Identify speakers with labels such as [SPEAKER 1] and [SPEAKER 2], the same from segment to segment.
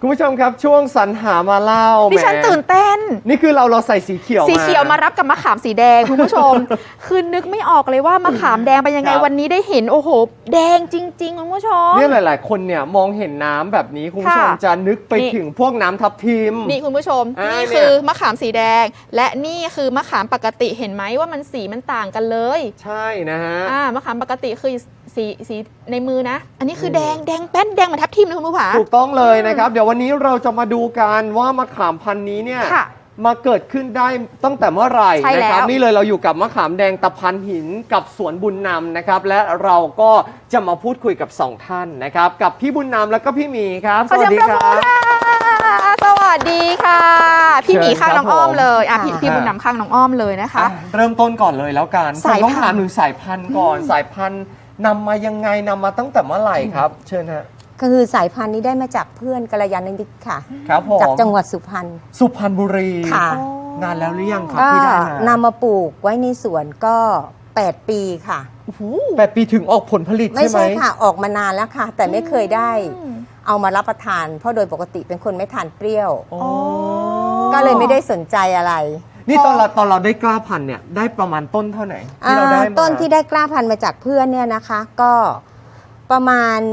[SPEAKER 1] คุณผู้ชมครับช่วงสรรหามาเล่า
[SPEAKER 2] ดิฉันตื่นเต้น
[SPEAKER 1] นี่คือเราใส่สีเขียว
[SPEAKER 2] มารับกับมะขามสีแดงคุณผู้ชม คือนึกไม่ออกเลยว่ามะขามแดงเป็นยังไงวันนี้ได้เห็นโอ้โหแดงจริงๆคุณผู้ชม
[SPEAKER 1] เนี่ยหลายๆคนเนี่ยมองเห็นน้ำแบบนี้คุณผู้ชมจะนึกไปถึงพวกน้ำทับทิม
[SPEAKER 2] นี่คุณผู้ชมนี่คือมะขามสีแดงและนี่คือมะขามปกติเห็นไหมว่ามันสีมันต่างกันเลย
[SPEAKER 1] ใช่นะฮะ
[SPEAKER 2] มะขามปกติคือสีในมือนะอันนี้คือแดงแป้นแดงเหมือนทับทิมเลยคุณผู้ชม
[SPEAKER 1] ถูกต้องเลยนะครับเดี๋ยววันนี้เราจะมาดูกันว่ามะขามพันธุ์นี้เนี่ยมาเกิดขึ้นได้ตั้งแต่เมื่อไหร่นะครับนี่เลยเราอยู่กับมะขามแดงตะพันหินกับสวนบุญนำนะครับและเราก็จะมาพูดคุยกับ2ท่านนะครับกับพี่บุญนำแล้วก็พี่หมีครับ
[SPEAKER 2] สวัสดีครับสวัสดีค่ะพี่หมีข้างน้องอ้อมเลยพี่บุญนำข้างน้องอ้อมเลยนะคะ
[SPEAKER 1] เริ่มต้นก่อนเลยแล้วกันต้องถามถึงสายพันธุ์ก่อนสายพันธุ์นำมายังไงนำมาตั้งแต่เมื่อไหร่ครับเชิญฮะ
[SPEAKER 3] ก็คือสายพันธุ์นี้ได้มาจากเพื่อนกัลยาณมิตรค่ะ
[SPEAKER 1] ครับผม
[SPEAKER 3] จากจังหวัดสุพรรณ
[SPEAKER 1] บุรี
[SPEAKER 3] ค่ะ
[SPEAKER 1] นานแล้วหรือยังครับที่ได้
[SPEAKER 3] นำมาปลูกไว้ในสวนก็8 ปีค่ะ
[SPEAKER 1] 8 ปีถึงออกผลผลิตใช่ไหม
[SPEAKER 3] ไม่ใช่ค่ะออกมานานแล้วค่ะแต่ไม่เคยได้เอามารับประทานเพราะโดยปกติเป็นคนไม่ทานเปรี้ยวก็เลยไม่ได้สนใจอะไร
[SPEAKER 1] นี่ตอนเราได้กล้าพันธุ์เนี่ยได้ประมาณต้นเท่าไหร่ที่เราได้มา
[SPEAKER 3] ต้นที่ได้กล้าพันธุ์มาจากเพื่อนเนี่ยนะคะก็ประมาณ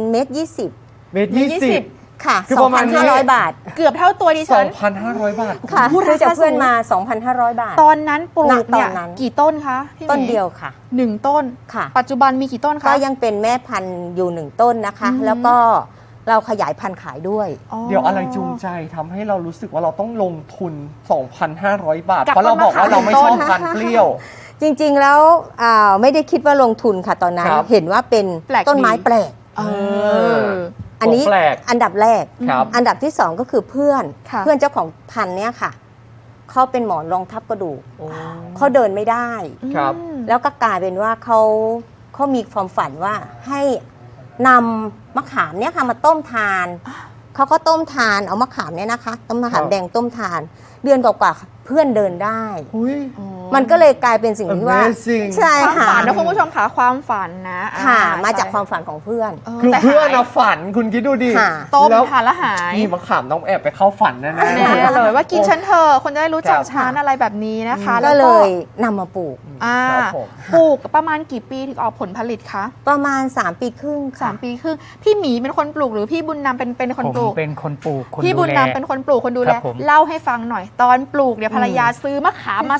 [SPEAKER 1] 1.20
[SPEAKER 3] ค่ะ 2,500 บาท
[SPEAKER 2] เกือบเท่าตัวดิฉัน
[SPEAKER 1] 2,500 บาท
[SPEAKER 3] ค่ะซื้อจากเพื่อนมา 2,500 บาท
[SPEAKER 2] ตอนนั้นปลูกเนี่ยกี่ต้นคะ
[SPEAKER 3] ต้นเดียวค่ะ
[SPEAKER 2] 1ต้น
[SPEAKER 3] ค่ะ
[SPEAKER 2] ปัจจุบันมีกี่ต้นคะ
[SPEAKER 3] ก็ยังเป็นแม่พันธุ์อยู่1ต้นนะคะแล้วก็เราขยายพันธุ์ขายด้วย
[SPEAKER 1] เดี๋ยวอะไรจูงใจทำให้เรารู้สึกว่าเราต้องลงทุน 2,500 บาทเพราะเราบอกว่าเราไม่ชอบพันธุ์เปรี้ยว
[SPEAKER 3] จริงๆแล้วไม่ได้คิดว่าลงทุนค่ะตอนนั้นเห็นว่าเป็นต้นไม้แปลกอันนี้อันดับแรกอันดับที่2ก็คือเพื่อนเจ้าของพันธุ์เนี่ยค่ะเขาเป็นหมอนรองทับกระดูกเขาเดินไม่ได้แล้วก็กลายเป็นว่าเขามีความฝันว่าให้นำมะขามเนี่ยค่ะมาต้มทานเขาก็ต้มทานเอามะขามเนี่ยนะคะต้มมะขามแดงต้มทานเดือนกว่าๆเพื่อนเดินได้มันก็เลยกลายเป็นสิ่งที่ว่า
[SPEAKER 1] ใช่
[SPEAKER 2] ค่ะความฝันนะคุณผู้ชมค่ะความฝันนะ
[SPEAKER 3] ค่ะมาจากความฝันของเพื่อน
[SPEAKER 1] คือเพื่อนนะฝันคุณคิดดูดิ
[SPEAKER 2] ต้มทานแล้วหาย
[SPEAKER 1] นี่มะขามต้องแอบไปเข้าฝันแน่
[SPEAKER 2] ๆเลยว่ากินฉันเธอคนจะได้รู้จักฉันอะไรแบบนี้นะคะ
[SPEAKER 3] ก็เลยนำมาปลูก
[SPEAKER 2] ปลูกประมาณกี่ปีถึงออกผลผลิตคะ
[SPEAKER 3] ประมาณ3 ปีครึ่ง
[SPEAKER 2] 3 ปีครึ่งพี่หมีเป็นคนปลูกหรือพี่บุญนำเป็นคนปลูก
[SPEAKER 4] เป็นคนปลูก
[SPEAKER 2] พี่บุญนำเป็นคนปลูกคนดูแลเล่าให้ฟังหน่อยตอนปลูกเนี่ยภรรยาซื้อมะขามมา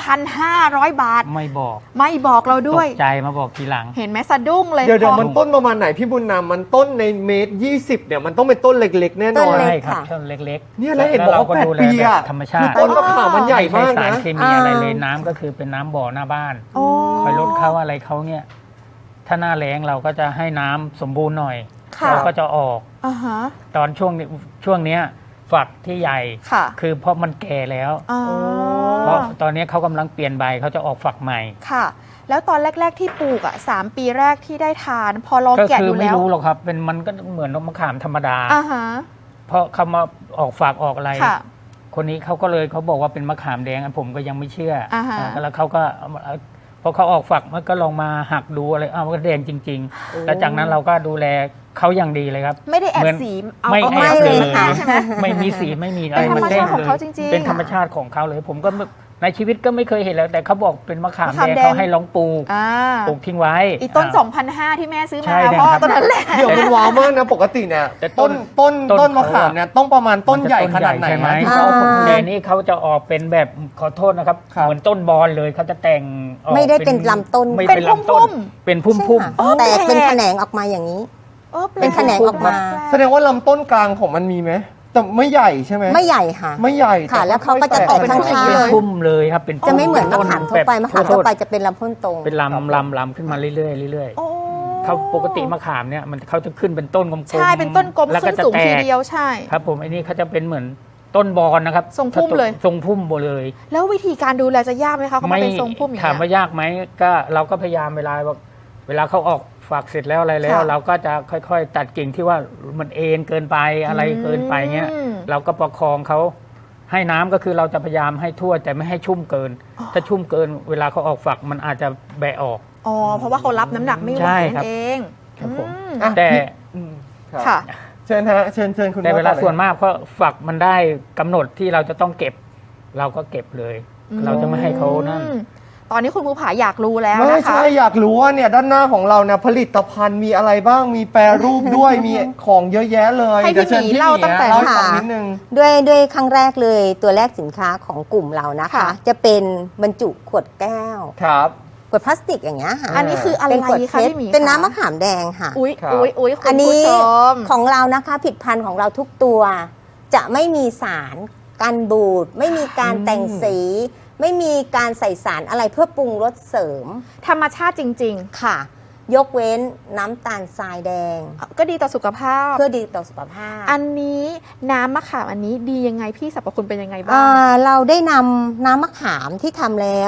[SPEAKER 2] 2,500 บาท
[SPEAKER 4] ไม่
[SPEAKER 2] บอกเราด้วย
[SPEAKER 4] ตกใจมาบอกทีหลัง
[SPEAKER 2] เห็นไหมสะดุ้งเลย
[SPEAKER 1] เดี๋ยวมันต้นประมาณไหนพี่บุญนำมันต้นใน1.20 เนี่ยมันต้องเป็นต้นเล็กๆแน่นอน
[SPEAKER 4] ใช่ครับต้นเล็ก
[SPEAKER 1] ๆเนี่ยแล้วเห็นบอกว่า8 ปีอะ
[SPEAKER 4] ธรรมชาติ
[SPEAKER 1] ต้นมะขามมันใหญ่มากนะ
[SPEAKER 4] สารเคมีอะไรเลยน้ำก็คือเป็นน้ำบ่อหน้าบ้านคอยลดเขาอะไรเขาเนี่ยถ้าหน้าแล้งเราก็จะให้น้ำสมบูรณ์หน่อยเราก็จะออกตอนช่วงนี้ฝักที่ใหญ่คือเพราะมันแก่แล้วเพราะตอนนี้เขากำลังเปลี่ยนใบเขาจะออกฝักใหม่
[SPEAKER 2] ค่ะแล้วตอนแรกๆที่ปลูก3 ปีแรกที่ได้ทานพอลองแกะดูแล้ว
[SPEAKER 4] ไม่รู้หรอกครับมันก็เหมือนมะขามธรรมดาเพราะเขามาออกฝักออกอะไรคนนี้เขาก็เลยเขาบอกว่าเป็นมะขามแดงผมก็ยังไม่เชื่อแล้วเขาก็พอเขาออกฝักมันก็ลองมาหักดูอะไรมันก็แดงจริงๆแล้วจากนั้นเราก็ดูแลเขาอย่างดีเลยครับ
[SPEAKER 2] ไม่ได้แอบสี
[SPEAKER 4] ไม่แอบเลยไม่มีสีไม่มีอะไร
[SPEAKER 2] มันแดงเลย
[SPEAKER 4] เป็นธรรมชาติของเขาเลยผมก็ในชีวิตก็ไม่เคยเห็นแล้วแต่เขาบอกเป็นมะขามแดงเขาให้ลองปลูกทิ้งไว้
[SPEAKER 2] อีต้น 2,500 ที่แม่ซื้อมาพ่อต้นนั้นแหละ
[SPEAKER 1] เดี๋ยวมันว้าวมากนะปกติเนี่ยต้นมะขามเนี่ยต้องประมาณต้นใหญ่ขนาดไหน
[SPEAKER 4] ที่เขาผลแดงนี่เขาจะออกเป็นแบบขอโทษนะครับเหมือนต้นบอลเลยเขาจะแต่ง
[SPEAKER 3] ไม่ได้เป็นลำต้น
[SPEAKER 4] เป็นพุ่มเป็นพุ่ม
[SPEAKER 3] แต่เป็นแขนงออกมาอย่างนี้เป็นแขนงออกมา
[SPEAKER 1] แสดงว่าลำต้นกลางของมันมีไหมแต่ไม่ใหญ่ใช่ไหม
[SPEAKER 3] ไม่ใหญ่ค่ะ
[SPEAKER 1] ไม่ใหญ่
[SPEAKER 3] ค่ะแล้วเขาก็จะแตกข้างๆ
[SPEAKER 4] เลยพุ่มเลยครับเป็น
[SPEAKER 3] จะไม่เหมือนมะขามทั่วไปมะขามทั่วไปจะเป็นลำพ้นตรง
[SPEAKER 4] เป็นลำขึ้นมาเรื่อยๆเรื่อยๆเขาปกติมะขามเนี่ยมันเขาจะขึ้นเป็นต้นกลมๆ
[SPEAKER 2] ใช่เป็นต้นกลมขึ้นสูงทีเดียวใช่
[SPEAKER 4] ครับผมอันนี้เขาจะเป็นเหมือนต้นบอลนะครับ
[SPEAKER 2] ทรงพุ่มเลย
[SPEAKER 4] ทรงพุ่มเลย
[SPEAKER 2] แล้ววิธีการดูแลจะยากไหมคะเขาเป็นทรงพุ่มอย่างนี้
[SPEAKER 4] ถามว่ายากไหมก็เราก็พยายามเวลาเขาออกฝักเสร็จแล้วอะไรแล้วเราก็จะค่อยๆตัดกิ่งที่ว่ามันเอ็นเกินไปอะไรเกินไปเงี้ยเราก็ประคองเขาให้น้ำก็คือเราจะพยายามให้ทั่วแต่ไม่ให้ชุ่มเกินถ้าชุ่มเกินเวลาเขาออกฝักมันอาจจะแบะออก
[SPEAKER 2] เพราะว่าเขารับน้ำหนักไม่ไหวนั่นเอง
[SPEAKER 4] ครับผมแต่
[SPEAKER 2] ค่ะ
[SPEAKER 1] เชิญฮะเชิญคุณ
[SPEAKER 4] แต่เวลา
[SPEAKER 1] พ่อ
[SPEAKER 4] ส่วนมากเพราะฝักมันได้กำหนดที่เราจะต้องเก็บ เราก็เก็บเลย เราจะไม่ให้เขานั่น
[SPEAKER 2] ตอนนี้คุณภูผาอยากรู้แล้ว
[SPEAKER 1] ไม่
[SPEAKER 2] นะคะ
[SPEAKER 1] ใช่อยากรู้ว่าเนี่ยด้านหน้าของเราเนี่ยผลิตภัณฑ์มีอะไรบ้างมีแปรรูปด้วย มีของเยอะแยะเลย
[SPEAKER 2] ให้พี่หมีเล่าตั้งแต่
[SPEAKER 1] เล่าให้ฟังนิดนึง
[SPEAKER 3] ด้วยครั้งแรกเลยตัวแรกสินค้าของกลุ่มเรานะคะ
[SPEAKER 2] ค่ะ
[SPEAKER 3] จะเป็นบรรจุขวดแก้ว
[SPEAKER 1] ครับ
[SPEAKER 3] ขวดพลาสติกอย่างเงี้ยค่ะ
[SPEAKER 2] อันนี้คืออะไร
[SPEAKER 3] เป็นขวด
[SPEAKER 2] คะ
[SPEAKER 3] เพชร
[SPEAKER 2] พี่หมี
[SPEAKER 3] เป็นน้ำมะขามแดงค่ะ
[SPEAKER 2] อุ๊ย
[SPEAKER 1] ครับ
[SPEAKER 2] อุ๊ยคุ
[SPEAKER 3] อั
[SPEAKER 2] ณ
[SPEAKER 3] น
[SPEAKER 2] ผู้
[SPEAKER 3] นี้
[SPEAKER 2] ชม
[SPEAKER 3] ของเรานะคะผลิตภัณฑ์ของเราทุกตัว จะไม่มีสารกันบูดไม่มีการแต่งสี ไม่มีการใส่สารอะไรเพื่อปรุงรสเสริม
[SPEAKER 2] ธรรมชาติจริง
[SPEAKER 3] ค่ะ ยกเว้นน้ำตาลทรายแดง
[SPEAKER 2] ๆ ก็ดีต่อสุขภาพ
[SPEAKER 3] เพื่อดีต่อสุขภาพ
[SPEAKER 2] อันนี้น้ำมะขามอันนี้ดียังไงพี่สรรพคุณเป็นยังไงบ้าง
[SPEAKER 3] เราได้นำน้ำมะขามที่ทำแล้ว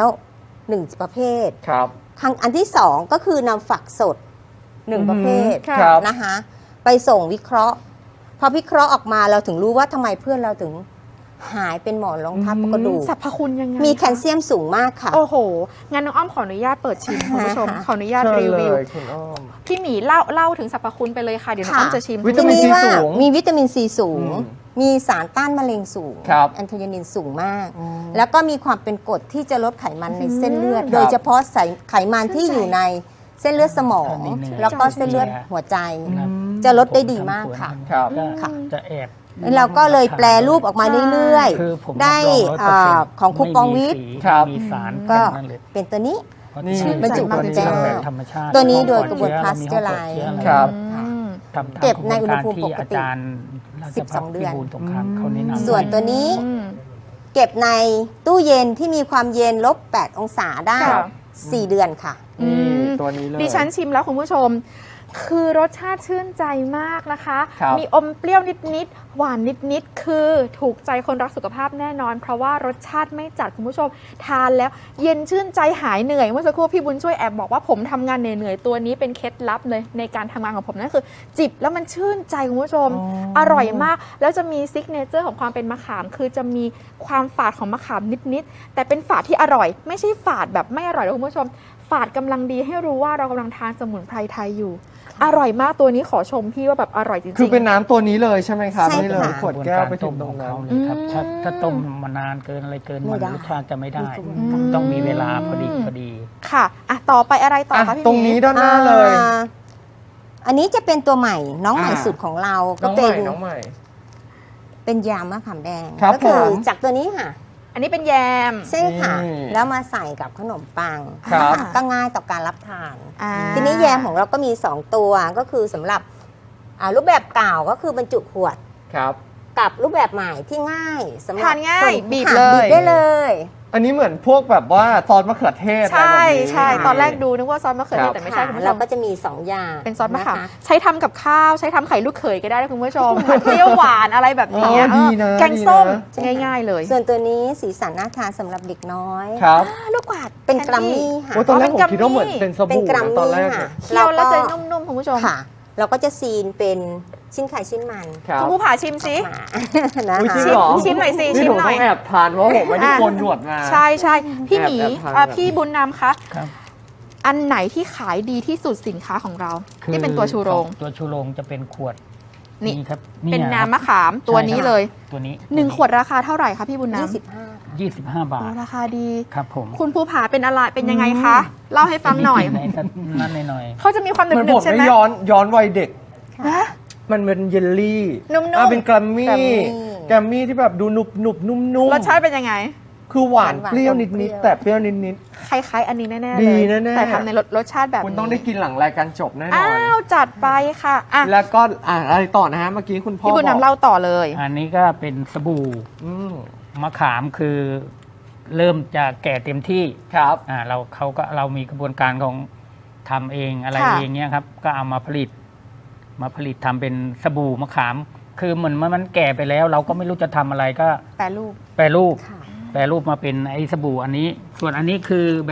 [SPEAKER 3] 1ประเภท
[SPEAKER 1] ครับ
[SPEAKER 3] อันที่2ก็คือนำฝักสด1ประเภท
[SPEAKER 2] ค่ะ
[SPEAKER 1] ครับ
[SPEAKER 3] นะคะไปส่งวิเคราะห์ พอวิเคราะห์ออกมาเราถึงรู้ว่าทำไมเพื่อนเราถึงหายเป็นหมอนรองทับกระดูก
[SPEAKER 2] สรรพคุณยังไง
[SPEAKER 3] มีแคลเซียมสูงมากค่ะ
[SPEAKER 2] โอ้โห งั้นน้องอ้อมขออนุญาตเปิดชิมคุณผู้ชม ขออนุญาต
[SPEAKER 1] เชิญ
[SPEAKER 2] รี
[SPEAKER 1] เล
[SPEAKER 2] วิว
[SPEAKER 1] ยคุณอ้อม
[SPEAKER 2] พี่หมีเล่าถึงสรรพคุณไปเลยค่ะ เดี๋ยวน้องอ้อมจะชิม
[SPEAKER 1] วิตามิน
[SPEAKER 3] ที่ว่า
[SPEAKER 1] ซีสูง
[SPEAKER 3] มีวิตามินซีสูง
[SPEAKER 1] อืม
[SPEAKER 3] มีสารต้านมะเร็งสูง
[SPEAKER 1] ครับ
[SPEAKER 3] แอนโทไยานินสูงมาก แล้วก็มีความเป็นกรดที่จะลดไขมันในเส้นเลือด
[SPEAKER 1] ครับ
[SPEAKER 3] โดยเฉพาะไขมันที่อยู่ในเส้นเลือดสมอง
[SPEAKER 4] นิดนึง
[SPEAKER 3] แล้วก็เส้นเลือดหัวใจ
[SPEAKER 4] ครับ
[SPEAKER 3] จะลดได้ดีมากค่ะ
[SPEAKER 1] ครับ
[SPEAKER 4] ก็
[SPEAKER 3] ค่ะ
[SPEAKER 4] จะแอบ
[SPEAKER 3] เราก็เลยแปลรูปออกมาเรื่อย
[SPEAKER 4] คือผม
[SPEAKER 3] ๆ ได้
[SPEAKER 4] รับรอง100%
[SPEAKER 3] ของคูปองวิทย์
[SPEAKER 4] ไม่มีสี
[SPEAKER 1] ครับ
[SPEAKER 4] ไม่มีสาร
[SPEAKER 3] ก็
[SPEAKER 4] นั่นเลย
[SPEAKER 3] เป็นตัวนี้
[SPEAKER 4] เพราะ
[SPEAKER 1] นี่
[SPEAKER 4] ที่
[SPEAKER 3] บรรจุ
[SPEAKER 4] ตัวนี้
[SPEAKER 3] แก้ว
[SPEAKER 4] เราแบบธรรมชาติ
[SPEAKER 3] ตัวนี้โดย
[SPEAKER 4] ห้อง
[SPEAKER 3] กระบวน
[SPEAKER 4] เชื้อ
[SPEAKER 3] pasteurized
[SPEAKER 4] เรามีห้อง
[SPEAKER 1] ครับ
[SPEAKER 3] ค่ะ
[SPEAKER 4] ทำตาม
[SPEAKER 3] เก็บใน
[SPEAKER 4] กระบวน
[SPEAKER 3] อุณหภูมิ
[SPEAKER 4] ที่
[SPEAKER 3] ปกติ
[SPEAKER 4] อาจารย์ราชภัฏ
[SPEAKER 3] 12เดือน
[SPEAKER 4] พิบูลสงครามเขาแนะนำ
[SPEAKER 3] ส่วนตัวนี้
[SPEAKER 2] อืม
[SPEAKER 3] เก็บในตู้เย็นที่มีความเย็นลบ8องศาได้
[SPEAKER 2] ค่ะ
[SPEAKER 3] 4 เดือนค่ะ
[SPEAKER 1] นี่
[SPEAKER 2] อืม
[SPEAKER 1] ตัวนี้เลย
[SPEAKER 2] ดิฉันชิมแล้วคุณผู้ชม คือรสชาติชื่นใจมากนะคะ
[SPEAKER 1] ครับ
[SPEAKER 2] มีอมเปรี้ยวนิดๆ หวานนิดๆ คือถูกใจคนรักสุขภาพแน่นอน เพราะว่ารสชาติไม่จัดคุณผู้ชม ทานแล้วเย็นชื่นใจหายเหนื่อยเมื่อสักครู่พี่บุญช่วยแอบบอกว่าผมทำงานเหนื่อยๆ ตัวนี้เป็นเคล็ดลับเลยในการทำงานของผมนั่นคือ จิบแล้วมันชื่นใจคุณผู้ชม อร่อยมาก แล้วจะมีซิกเนเจอร์ของความเป็นมะขาม คือจะมีความฝาดของมะขามนิดๆ แต่เป็นฝาดที่อร่อย ไม่ใช่ฝาดแบบไม่อร่อยนะคุณผู้ชม ฝาดกำลังดีให้รู้ว่าเรากำลังทานสมุนไพรไทยอยู่ อร่อยมากตัวนี้ขอชมพี่ว่าแบบอร่อยจริงๆ
[SPEAKER 1] คือเป็นน้ำตัวนี้เลยใช่ไหมครับ
[SPEAKER 3] ใช่
[SPEAKER 1] นี่เลย
[SPEAKER 3] ค่ะ
[SPEAKER 1] ขวดแก้วไปถึงตรง
[SPEAKER 4] ข
[SPEAKER 1] นั้น
[SPEAKER 4] เขาเลยครับ
[SPEAKER 2] อืม
[SPEAKER 4] ถ้าต้มมานานเกินอะไรเกิน
[SPEAKER 3] ไม่
[SPEAKER 4] มัน
[SPEAKER 3] ได้
[SPEAKER 4] รสชาติจะไม่ได้
[SPEAKER 3] มีกระบวนการ
[SPEAKER 4] ต้องมีเวลาพอดีพอดี
[SPEAKER 2] ค่ะอ่ะ ต่อไปอะไรต่อ
[SPEAKER 1] อ่ะ
[SPEAKER 2] คะพี่
[SPEAKER 1] ตรงนี้
[SPEAKER 2] หมี
[SPEAKER 1] ด้านหน้าเลย
[SPEAKER 3] อันนี้จะเป็นตัวใหม่น้องใหม่
[SPEAKER 1] อ่า
[SPEAKER 3] สุดของเรา
[SPEAKER 1] น้
[SPEAKER 3] ก็
[SPEAKER 1] องให
[SPEAKER 3] เป็
[SPEAKER 1] ม่
[SPEAKER 3] น
[SPEAKER 1] น้องใหม่
[SPEAKER 3] เป็นยามะขามแดง
[SPEAKER 1] ครับ
[SPEAKER 3] ก็คื
[SPEAKER 1] ผม
[SPEAKER 3] จากตัวนี้ค่ะ
[SPEAKER 2] อันนี้เป็นแยม
[SPEAKER 3] ใช่ค่ะ
[SPEAKER 1] นี่
[SPEAKER 3] แล้วมาใส่กับขนมปัง
[SPEAKER 1] ครับ
[SPEAKER 3] นะคะก็ง่ายต่อการรับทาน
[SPEAKER 2] อ่า
[SPEAKER 3] ทีนี้แยมของเราก็มี 2 ตัวก็คือสำหรับรูปแบบเก่าก็คือบรรจุขวด
[SPEAKER 1] ครับ
[SPEAKER 3] กับรูปแบบใหม่ที่ง่ายสำหรับ
[SPEAKER 2] ทานง่าย
[SPEAKER 3] คน
[SPEAKER 2] บีบ
[SPEAKER 3] ค่ะ
[SPEAKER 2] เลย
[SPEAKER 3] บีบได้เลย
[SPEAKER 1] อันนี้เหมือนพวกแบบว่าซอสมะเขือเทศอะไร
[SPEAKER 2] ใช่
[SPEAKER 1] แบบนี้
[SPEAKER 2] ใช่ตอนแรกดูนึกว่าซอสมะเขือเทศแต่ไม่ใช่
[SPEAKER 3] ค่ะ
[SPEAKER 2] คุณผู้ช
[SPEAKER 3] เรา
[SPEAKER 2] ม
[SPEAKER 3] ก็จะมี 2 อย่าง
[SPEAKER 2] เป็นซอสมะขาม
[SPEAKER 3] นค
[SPEAKER 2] ใช้ทำกับข้าวใช้ทำไข่ลูกเขยก็ได้นะคุณผู้ชม เปรี้ยวหวานอะไรแบบนี้
[SPEAKER 1] อ๋อดีนะ
[SPEAKER 2] แกงส้ม
[SPEAKER 1] ดีนะ
[SPEAKER 2] ง่ายๆเลย
[SPEAKER 3] ส่วนตัวนี้สีสันน่าทานสำหรับเด็กน้อย
[SPEAKER 1] ครับ
[SPEAKER 2] ลูกกวาด
[SPEAKER 3] เป็น
[SPEAKER 2] แค
[SPEAKER 3] กรัมมี่ค่ะ
[SPEAKER 1] โอ้ยตอนแรกผม
[SPEAKER 2] เป็น
[SPEAKER 1] คิดว่าเหมือน
[SPEAKER 2] กัมมี่
[SPEAKER 1] เป็นส
[SPEAKER 3] เป็น
[SPEAKER 1] บู่
[SPEAKER 3] กรัม
[SPEAKER 1] นะตอน
[SPEAKER 3] มี่
[SPEAKER 1] แรก
[SPEAKER 3] ค่ะ
[SPEAKER 2] เคี่ยวแล้วจะนุ่มๆคุณผู้ชม
[SPEAKER 3] ค่ะ เราก็จะซีนเป็นชิ้นไข่ชิ้นมัน
[SPEAKER 1] ครับ
[SPEAKER 2] คุณผู้ผ่าชิมสิ
[SPEAKER 3] มานะ
[SPEAKER 1] อุ๊ยจริง
[SPEAKER 3] คะ
[SPEAKER 1] เหรอ
[SPEAKER 2] ชิมหน่อยสิ
[SPEAKER 1] นี่
[SPEAKER 2] ชิม
[SPEAKER 1] ผม
[SPEAKER 2] หน่
[SPEAKER 1] ต้
[SPEAKER 2] อ
[SPEAKER 1] อย งแอบทานเพราะผมไม่ได้โกนหนวดมา
[SPEAKER 2] ใช่ใช่พี่หมี
[SPEAKER 1] แอบทาน
[SPEAKER 2] พี่บุญนำคะ
[SPEAKER 4] ครับ
[SPEAKER 2] อันไหนที่ขายดีที่สุดสินค้าของเราที่เป็นตัวชูโรง
[SPEAKER 4] ตัวชูโรงจะเป็นขวด
[SPEAKER 2] นี่
[SPEAKER 4] ครับ
[SPEAKER 2] เป็น
[SPEAKER 4] ย
[SPEAKER 2] น้ำมะขามตัวนี้เลย
[SPEAKER 4] ตัวนี้
[SPEAKER 2] 1 ขวดราคาเท่าไหร่คะพี่บุญนำ
[SPEAKER 3] 25
[SPEAKER 4] 25 บา
[SPEAKER 2] โอ้
[SPEAKER 4] ท
[SPEAKER 2] ราคาดี
[SPEAKER 4] ครับผม
[SPEAKER 2] คุณภูผาเป็นอะไรเป็นยังไงคะ เล่าให้ฟังหน่อย
[SPEAKER 4] ในนั่นหน่อย
[SPEAKER 2] เขาจะมีความห
[SPEAKER 1] เหมือน
[SPEAKER 2] นึ
[SPEAKER 1] ผ
[SPEAKER 2] บ
[SPEAKER 1] ม
[SPEAKER 2] ๆใช่ไห
[SPEAKER 1] ไม่
[SPEAKER 2] ม
[SPEAKER 1] ย้อนวัยเด็ก
[SPEAKER 2] ฮะ
[SPEAKER 1] มันเป็นเยลลี่
[SPEAKER 2] นุ่มๆ
[SPEAKER 1] เป็นแกรมมี่
[SPEAKER 3] แกรมมี่
[SPEAKER 1] แกรมมี่ที่แบบดูหนุบหนุบนุ่มนุ่ม
[SPEAKER 2] รสชาติเป็นยังไง
[SPEAKER 1] คือหวาน
[SPEAKER 3] หวานๆ
[SPEAKER 1] เปรี้ยว
[SPEAKER 3] อม
[SPEAKER 1] นิด
[SPEAKER 3] เปรี้
[SPEAKER 1] นิด
[SPEAKER 3] ยว
[SPEAKER 1] แต่เปรี้ยวนิดนิด
[SPEAKER 2] คล้ายๆอันนี้แน่ๆ
[SPEAKER 1] ดี
[SPEAKER 2] เลย
[SPEAKER 1] แน่ๆ
[SPEAKER 2] แต่ทำในรสชาติแบบ
[SPEAKER 1] คุณ
[SPEAKER 2] นี้
[SPEAKER 1] ต้องได้กินหลังรายการจบแน่นอ
[SPEAKER 2] อ้าน วจัดไปค่ะอ่ะ
[SPEAKER 1] แล้วก็อะไรต่อนะฮะเมื่อกี้คุณพ่อ
[SPEAKER 2] พี่บุญ
[SPEAKER 1] บอก
[SPEAKER 2] นำเล่าต่อเลย
[SPEAKER 4] อันนี้ก็เป็นสบู่
[SPEAKER 1] อืม
[SPEAKER 4] มะขามคือเริ่มจะแก่เต็มที่
[SPEAKER 1] ครับ
[SPEAKER 4] เรามีกระบวนการของทำเองอะไร
[SPEAKER 2] ค่ะ
[SPEAKER 4] เองเนี่ยครับ ก็เอามาผลิตทำเป็นสบู่มะขาม คือเหมือนมันแก่ไปแล้ว เราก็ไม่รู้จะทำอะไรก็
[SPEAKER 2] แปรรูป
[SPEAKER 4] แปรรูป
[SPEAKER 3] ค่ะ
[SPEAKER 4] แปรรูปมาเป็นไอ้สบู่อันนี้ ส่วนอันนี้คือแบบ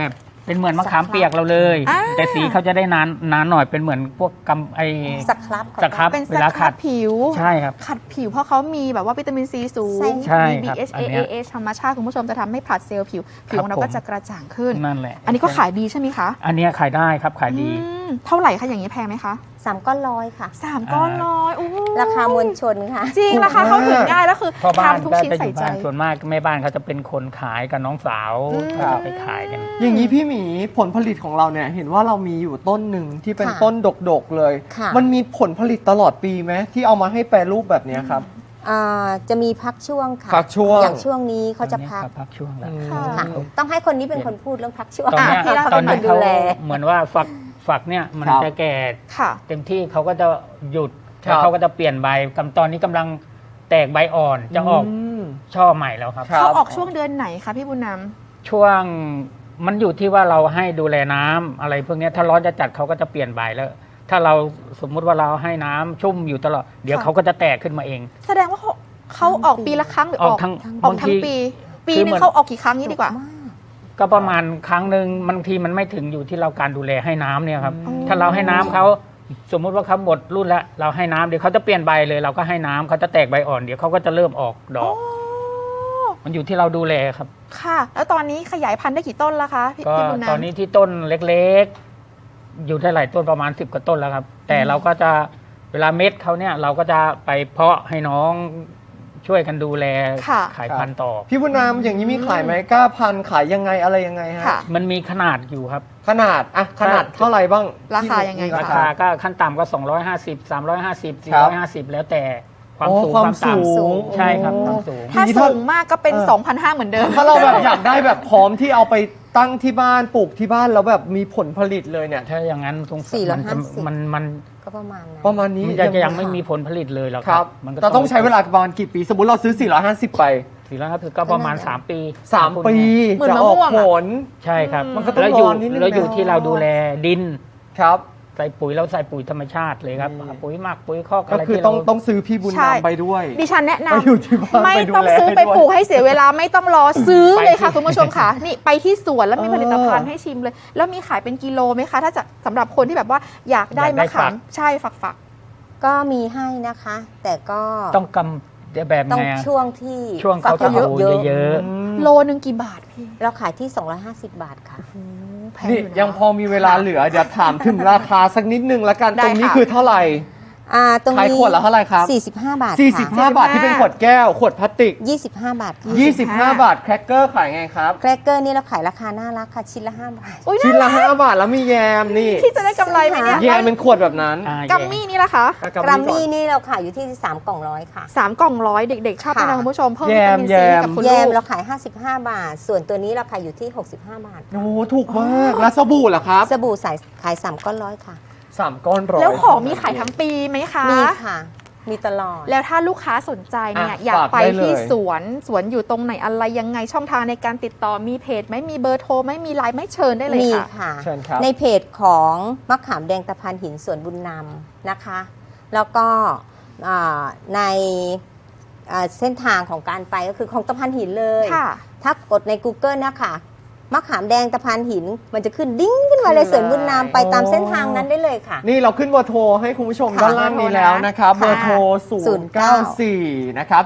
[SPEAKER 4] เป็นเหมือนมะขามเปียกเราเลย แต่สีเขาจะได้นานหน่อยเป็นเหมือนพวกกำไอ
[SPEAKER 3] สครับ
[SPEAKER 4] สครับ
[SPEAKER 2] เป็นส
[SPEAKER 4] เวลา
[SPEAKER 2] ค
[SPEAKER 4] ขั
[SPEAKER 2] รั
[SPEAKER 4] ด
[SPEAKER 2] บผิว
[SPEAKER 4] ใช่ครับ
[SPEAKER 2] ขัดผิวเพราะเขามีแบบว่าวิตามินซีสูง
[SPEAKER 4] ใช่
[SPEAKER 2] มี
[SPEAKER 4] ครับ
[SPEAKER 2] BHA
[SPEAKER 4] อันเนี้ย
[SPEAKER 2] AH ธรรมชาติคุณผู้ชมจะทำให้ผลัดเซลล์ผิวของเรา
[SPEAKER 4] ผม
[SPEAKER 2] ก็จะกระจ่างขึ้น
[SPEAKER 4] นั่นแหละ
[SPEAKER 2] อันนี้ก็ขายดีใช่ไหมคะ
[SPEAKER 4] อันเนี้ยขายได้ครับขายดี
[SPEAKER 2] เท่าไหร่คะอย่างนี้แพงไหมคะ
[SPEAKER 3] 3 ก้อนร้อยค่ะ
[SPEAKER 2] 3 ก้อนร้อยโอ้โห
[SPEAKER 3] ราคามวลชนค่ะ
[SPEAKER 2] จริงราคาเข้าถึงง่ายแล้วคือ
[SPEAKER 4] พ่อบ้าน
[SPEAKER 2] ทำทุก
[SPEAKER 4] ก็
[SPEAKER 2] ชิ้น
[SPEAKER 4] จะอ
[SPEAKER 2] ใส่
[SPEAKER 4] ยู่
[SPEAKER 2] ใจ
[SPEAKER 4] บ้านส่วนมากแม่บ้านเขาจะเป็นคนขายกับน้องสาว
[SPEAKER 2] ครับ
[SPEAKER 4] เขาจะไปขายกัน
[SPEAKER 1] อย่างนี้พี่หมีผลผลิตของเราเนี่ยเห็นว่าเรามีอยู่ต้นหนึ่งที่เป็น
[SPEAKER 3] ค่ะ
[SPEAKER 1] ต้นดกๆเลย
[SPEAKER 3] ค่ะ
[SPEAKER 1] มันมีผลผลิตตลอดปีไหมที่เอามาให้แปรรูปแบบเนี้ยครับ
[SPEAKER 3] จะมีพักช่วงค่ะ
[SPEAKER 1] พักช่วง
[SPEAKER 3] อย่างช่วงนี้เขาจะพัก
[SPEAKER 4] พักช่วงแล้ว
[SPEAKER 2] ค่ะ
[SPEAKER 3] ค่ะ ต้องให้คนนี้เป็นคนพูดเรื่องพักช่วง
[SPEAKER 4] ตอนเนี้ย
[SPEAKER 3] ให้เขา
[SPEAKER 4] ตอน
[SPEAKER 3] เป็น
[SPEAKER 4] นี้
[SPEAKER 3] คนดู
[SPEAKER 4] เขา
[SPEAKER 3] แล
[SPEAKER 4] เหมือนว่าฝักเนี่ยมัน
[SPEAKER 1] ครับ
[SPEAKER 4] จะแก่
[SPEAKER 2] ค่ะ
[SPEAKER 4] เต็มที่เขาก็จะหยุด
[SPEAKER 1] ครับ
[SPEAKER 4] แล้วเขาก็จะเปลี่ยนใบตอนนี้กำลังแตกใบอ่อนจะออก
[SPEAKER 1] ม
[SPEAKER 4] ช่อใหม่แล้วครับ
[SPEAKER 1] ครับ
[SPEAKER 2] เขาออกช่วงเดือนไหนคะพี่บุญน
[SPEAKER 4] ช่วงมันอยู่ที่ว่าเราให้ดูแลน้ำอะไรพวกเนี้ยถ้าร้อนจะจัดเขาก็จะเปลี่ยนใบแล้ว ถ้าเราสมมุติว่าเราให้น้ำชุ่มอยู่ตลอดเดี๋ยวเขาก็จะแตกขึ้นมาเอง
[SPEAKER 2] ำแสดงว่าเขาออกปีละครั้งหรือออก
[SPEAKER 4] ทั้ง
[SPEAKER 2] ออก
[SPEAKER 4] บาง
[SPEAKER 2] ทั้ง
[SPEAKER 4] ที
[SPEAKER 2] ปี ปี
[SPEAKER 4] คือ
[SPEAKER 2] หนึ
[SPEAKER 4] เห
[SPEAKER 2] ง
[SPEAKER 4] มือน
[SPEAKER 2] เขาออกกี่ครั้งนี้ดีกว่า
[SPEAKER 4] ก็ประมาณครั้งหนึ่งบางทีมันไม่ถึงอยู่ที่เราการดูแลให้น้ำเนี่ยครับ
[SPEAKER 2] อืม
[SPEAKER 4] ถ้าเราให้น้ำเขาสมมุติว่าเขาหมดรุ่นแล้วเราให้น้ำเดี๋ยวเขาจะเปลี่ยนใบเลยเราก็ให้น้ำเขาจะแตกใบอ่อนเดี๋ยวเขาก็จะเริ่มออกดอก มันอยู่ที่เราดูแลครับ
[SPEAKER 2] ค่ะ แล้วตอนนี้ขยายพันธุ์ได้กี่ต้นแล้วคะพี่
[SPEAKER 4] ก็
[SPEAKER 2] พี่บุญนำ
[SPEAKER 4] ตอนนี้ที่ต้นเล็กๆ อยู่ได้หลายต้นประมาณ10กว่าต้นแล้วครับ แต่เราก็จะเวลาเม็ดเขาเนี่ยเราก็จะไปเพาะให้น้องช่วยกันดูแล
[SPEAKER 2] ค่ะ
[SPEAKER 4] ขายพันธุ์ต่อ
[SPEAKER 1] พี่บุญนามอย่างนี้มีขายไหมกล้าพันธุ์ขายยังไงอะไรยังไงฮะ
[SPEAKER 2] ค่ะ
[SPEAKER 4] มันมีขนาดอยู่ครับ
[SPEAKER 1] ขนาดอะขนาดเท่าไหร่บ้าง
[SPEAKER 2] ราคายังไง
[SPEAKER 1] ที่
[SPEAKER 2] คะ
[SPEAKER 4] ราคาก็ขั้นต่ำก็ 250 350
[SPEAKER 1] ครับ
[SPEAKER 4] 450 แล้วแต่ความ
[SPEAKER 1] อ๋อ
[SPEAKER 4] สูง
[SPEAKER 1] ความ
[SPEAKER 4] ความต่
[SPEAKER 1] สูง
[SPEAKER 4] ำใช่ครับความสูง
[SPEAKER 2] ถ้า
[SPEAKER 1] ทีนี้ถ้า
[SPEAKER 2] สูงมากก็เป็น 2,500เหมือนเดิม
[SPEAKER 1] ถ้าเราแบบอยากได้แบบพร้อมที่เอาไปตั้งที่บ้านปลูกที่บ้านแล้วแบบมีผลผลิตเลยเนี่ย
[SPEAKER 4] ถ้าอย่างนั้นตรง
[SPEAKER 3] 450
[SPEAKER 4] มัน
[SPEAKER 3] ก็ประมาณนั้น
[SPEAKER 1] ประมาณนี้
[SPEAKER 4] มันจะยังไม่มีผลผลิตเลยหรอก
[SPEAKER 1] ครับ
[SPEAKER 4] มันก็
[SPEAKER 1] เราต้องใช้เวลาประมาณกี่ปี สมมติเราซื้อ 450 ไป
[SPEAKER 4] 450ก็ประมาณ 3 ปี
[SPEAKER 1] 3 ปี
[SPEAKER 2] เหมือน
[SPEAKER 1] จะ
[SPEAKER 2] มะ
[SPEAKER 1] อ
[SPEAKER 2] ม่
[SPEAKER 1] อก
[SPEAKER 2] วงอะ
[SPEAKER 1] ผล
[SPEAKER 4] ใช่ครับ
[SPEAKER 1] มันก็ต้อง
[SPEAKER 4] แล้วอยู่
[SPEAKER 1] รอนิดนึง
[SPEAKER 4] แล้วอยู่
[SPEAKER 1] นะ
[SPEAKER 4] ที่เราดูแลดิน
[SPEAKER 1] ครับ
[SPEAKER 4] ใส่ปุ๋ยเราใส่ปุ๋ยธรรมชาติเลยครับ ปุ๋ยหมักปุ๋ยคอก
[SPEAKER 1] ก็
[SPEAKER 4] อะไร
[SPEAKER 1] คือ
[SPEAKER 4] ที่
[SPEAKER 1] ต้
[SPEAKER 4] เรา
[SPEAKER 1] องซื้อพี่บุญ
[SPEAKER 2] ใช่
[SPEAKER 1] นำไปด้วย
[SPEAKER 2] ดิฉันแนะ
[SPEAKER 1] ไปอยู่ที่บ้าน
[SPEAKER 2] นำไม่
[SPEAKER 1] ไปดู
[SPEAKER 2] ต้อง
[SPEAKER 1] แล
[SPEAKER 2] ซื้อ
[SPEAKER 1] ให้
[SPEAKER 2] ไป
[SPEAKER 1] ด้วย
[SPEAKER 2] ปลูกให้เสียเวลาไม่ต้องรอซื้อเลยค่ะ
[SPEAKER 4] ไปที่
[SPEAKER 2] คุณผู้ชมค่ะ นี่ไปที่สวนแล้วมี
[SPEAKER 1] เออ
[SPEAKER 2] ผลิตภัณฑ์ให้ชิมเลย แล้วมีขายเป็นกิโลไหมคะ ถ้าจะสำหรับคนที่แบบว่าอยากได้มะขามใช่ฝัก
[SPEAKER 3] ก็มีให้นะคะ แต่ก็
[SPEAKER 4] ต้องกำแบบ
[SPEAKER 3] ต้อง
[SPEAKER 4] ไงอะ
[SPEAKER 3] ช่วงที่
[SPEAKER 4] ช่วงเขา
[SPEAKER 3] ฝั
[SPEAKER 4] จะ
[SPEAKER 3] ก
[SPEAKER 4] เอา
[SPEAKER 3] เยอะ
[SPEAKER 4] เยอะ
[SPEAKER 2] ๆโลนึงกี่บาทพี่
[SPEAKER 3] เราขายที่ 250 บาทค่ะ
[SPEAKER 2] แพง
[SPEAKER 1] นี่
[SPEAKER 2] อยู่นะ
[SPEAKER 1] ยังพอมีเวลาเหลือ เดี๋ยวถามถึงราคาสักนิดนึงละกัน
[SPEAKER 2] ได้
[SPEAKER 1] ตรงนี้
[SPEAKER 2] ค่ะ
[SPEAKER 1] คือเท่าไหร่
[SPEAKER 3] ตรง
[SPEAKER 1] ขาย
[SPEAKER 3] นี้
[SPEAKER 1] ขวดละเท่าไหร่ครับ
[SPEAKER 3] 45 บาท
[SPEAKER 1] 45 บาทที่เป็นขวดแก้ว ขวดพลาสติก
[SPEAKER 3] 25 บาทค่ะ
[SPEAKER 1] 25 บาทแครกเกอร์ขายไงครับ
[SPEAKER 3] แครกเกอร์นี่เราขายราคาน่ารักค่ะ ชิ้นละ 5 บาท
[SPEAKER 2] อุ๊ย
[SPEAKER 1] ชิ้นละ
[SPEAKER 2] น่ารัก
[SPEAKER 1] 5 บาทแล้วมีแยมนี่
[SPEAKER 2] ที่จะได้กำไรไหมเนี่ย
[SPEAKER 1] แยมเป็นขวดแบบนั้น
[SPEAKER 2] กัมมี่นี่ละคะ
[SPEAKER 1] อ่ะ
[SPEAKER 3] กรัม
[SPEAKER 1] ก่อ
[SPEAKER 3] มี่
[SPEAKER 1] น
[SPEAKER 3] นี่เราขายอยู่ที่ 3 กล่องร้อยค่ะ
[SPEAKER 2] 3 กล่องร้อยเด็กๆ ชอบ
[SPEAKER 3] ค่ะ
[SPEAKER 2] นะคุณผู้ชมเพิ่ม
[SPEAKER 1] แย
[SPEAKER 2] วิ
[SPEAKER 1] ม
[SPEAKER 2] ตามินซีให้กับ
[SPEAKER 1] แยม
[SPEAKER 2] คุณ
[SPEAKER 3] แย
[SPEAKER 2] ลู
[SPEAKER 3] ม
[SPEAKER 2] ก
[SPEAKER 3] เราขาย 55 บาท ส่วนตัวนี้เราขายอยู่ที่ 65 บาท
[SPEAKER 1] โอ้โหถูกมาก แล้วสบู่ล่ะครับ
[SPEAKER 3] สบู่ขาย 3 ก้อนร้อยค่ะ
[SPEAKER 1] 3 ก้อนร้อย
[SPEAKER 2] แล้วของมีขายทั้งปีไหมคะ
[SPEAKER 3] มีค่ะ มีตลอด
[SPEAKER 2] แล้วถ้าลูกค้าสนใจเนี่ย
[SPEAKER 1] อ่ะ
[SPEAKER 2] อยากไป
[SPEAKER 1] ฝากได้เลย
[SPEAKER 2] ที่สวนอยู่ตรงไหนอะไรยังไงช่องทางในการติดต่อมีเพจไหมมีเบอร์โทรไหมมีไลน์ไหม่เชิญได้เลย
[SPEAKER 3] มี
[SPEAKER 2] ค่ะ
[SPEAKER 3] ค่ะ
[SPEAKER 1] เชิญครับ
[SPEAKER 3] ในเพจของมะขามแดงตะพานหินสวนบุญนำนะคะ แล้วก็ในเส้นทางของการไปก็คือของตะพานหินเลย
[SPEAKER 2] ค่ะ
[SPEAKER 3] ถ้ากดใน Google นะคะมะขามแดงตะพานหิน มันจะขึ้นดิ้งขึ้นมาเลยสวนบุญนำไปตามเส้นทางนั้นได้เลยค่ะ
[SPEAKER 1] นี่เราขึ้นเบอร์โทรให้คุณผู้ชม
[SPEAKER 3] ค่ะ
[SPEAKER 1] ด้านล่างนี้แล้วนะครับ
[SPEAKER 2] ค่ะ
[SPEAKER 1] เบอร์โทร 094 นะครับ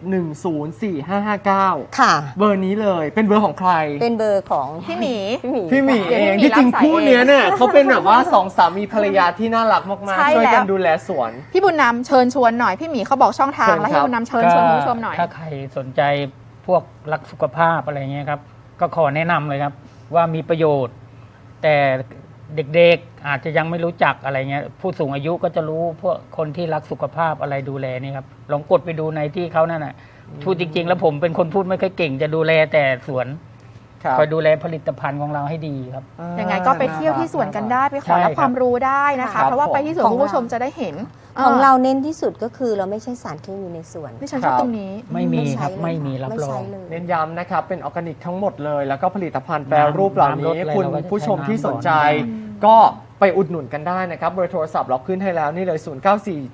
[SPEAKER 1] 7104559
[SPEAKER 3] ค่ะ
[SPEAKER 1] เบอร์นี้เลยเป็นเบอร์ของใคร
[SPEAKER 3] เป็นเบอร์ของ
[SPEAKER 2] พี่หมี
[SPEAKER 1] พี่หมี
[SPEAKER 2] เดี๋
[SPEAKER 1] เอ
[SPEAKER 2] ยว
[SPEAKER 1] ง
[SPEAKER 2] พี่หมี
[SPEAKER 1] ที่จริง
[SPEAKER 2] รับสาย
[SPEAKER 1] คู่เนี้ยเนี่ยเขาเป็นแบบว่าสองสามีภรรยาที่น่ารักมาก
[SPEAKER 2] ใช่
[SPEAKER 1] ๆ ช่วยกัน
[SPEAKER 2] แล้ว
[SPEAKER 1] ดูแลสวน
[SPEAKER 2] พี่บุญนำเชิญชวนหน่อยพี่หมีเขาบอกช่องทาง
[SPEAKER 1] เชิญ
[SPEAKER 2] แล้ว
[SPEAKER 1] ครั
[SPEAKER 2] ให้
[SPEAKER 1] บ
[SPEAKER 2] บุญนำเชิญชวนคุณผู้ชมหน่อย
[SPEAKER 4] ถ้าใครสนใจพวกรักสุขภาพอะไรเงี้ยครับ ก็ขอแนะนำเลยครับ ว่ามีประโยชน์ แต่เด็กๆอาจจะยังไม่รู้จักอะไรเงี้ยผู้สูงอายุก็จะรู้พวกคนที่รักสุขภาพอะไรดูแลนี่ครับลองกดไปดูในที่เขานั่นน่ะพูดจริง ๆ แล้วผมเป็นคนพูดไม่ค่อยเก่งจะดูแลแต่สวน
[SPEAKER 1] ครับ
[SPEAKER 4] คอยดูแลผลิตภัณฑ์ของเราให้ดีครับ
[SPEAKER 2] ยังไงก็ไปเที่ยวที่สวนกันได้ไปขอรับ
[SPEAKER 4] ใช่ครับ
[SPEAKER 2] ความรู้ได้นะ
[SPEAKER 1] ครั
[SPEAKER 2] คะ
[SPEAKER 1] บ
[SPEAKER 2] เพราะว่าไปที่สวน
[SPEAKER 3] ของ
[SPEAKER 2] คุณผู้ชมจะได้เห็น
[SPEAKER 3] ของเราเน้นที่สุดก็คือเราไม่ใช่สารเคมีในสวน
[SPEAKER 2] ดิฉันชอบตรงนี้
[SPEAKER 4] ไม่มีครับ
[SPEAKER 3] ใช้เลย
[SPEAKER 4] ไม่มีรับ
[SPEAKER 3] ไม่
[SPEAKER 4] รอ
[SPEAKER 3] ใช้
[SPEAKER 4] ง
[SPEAKER 3] เลย
[SPEAKER 1] เน้นย้ำนะครับ เป็นออร์แกนิกทั้งหมดเลย แล้วก็ผลิตภัณฑ์แปรรูปเหล่า
[SPEAKER 4] น้ำร
[SPEAKER 1] นี้
[SPEAKER 4] สอะไร
[SPEAKER 1] คุณ
[SPEAKER 4] เราก็จะ
[SPEAKER 1] ผู้ชม
[SPEAKER 4] ใช้
[SPEAKER 1] ที่
[SPEAKER 4] น้ำ
[SPEAKER 1] สนใจ
[SPEAKER 4] ก่อน
[SPEAKER 1] ก็ไปไปอุดหนุนกันได้นะครับเบอร์โทรศัพท์เราขึ้นให้แล้วนี่เลย 0947104559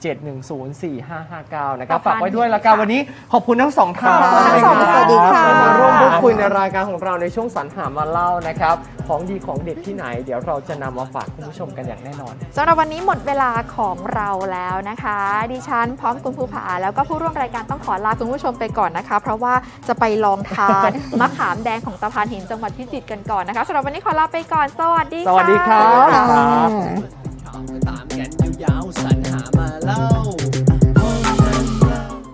[SPEAKER 1] นะครับฝากไว้ด้วยละกันวันนี้ขอบคุณทั้งสองท่าน
[SPEAKER 3] สวัสดีค่ะ
[SPEAKER 1] มาร่วมพูดคุยในรายการของเราในช่วงสรรหามาเล่านะครับของดีของเด็ดที่ไหนเดี๋ยวเราจะนำมาฝากคุณผู้ชมกันอย่างแน่นอน
[SPEAKER 2] สำหรับวันนี้หมดเวลาของเราแล้วนะคะดิฉันพร้อมคุณภูผาแล้วก็ผู้ร่วมรายการต้องขอลาคุณผู้ชมไปก่อนนะคะเพราะว่าจะไปลองทาน มะขามแดงของตะพานหินจังหวัดพิจิตรกันก่อนนะคะสำหรับวันนี้ขอลาไปก่อนสวัสดีค่ะ
[SPEAKER 1] สวัสดีครับ
[SPEAKER 3] ค่ะ
[SPEAKER 5] ตามกันยาวๆสัญ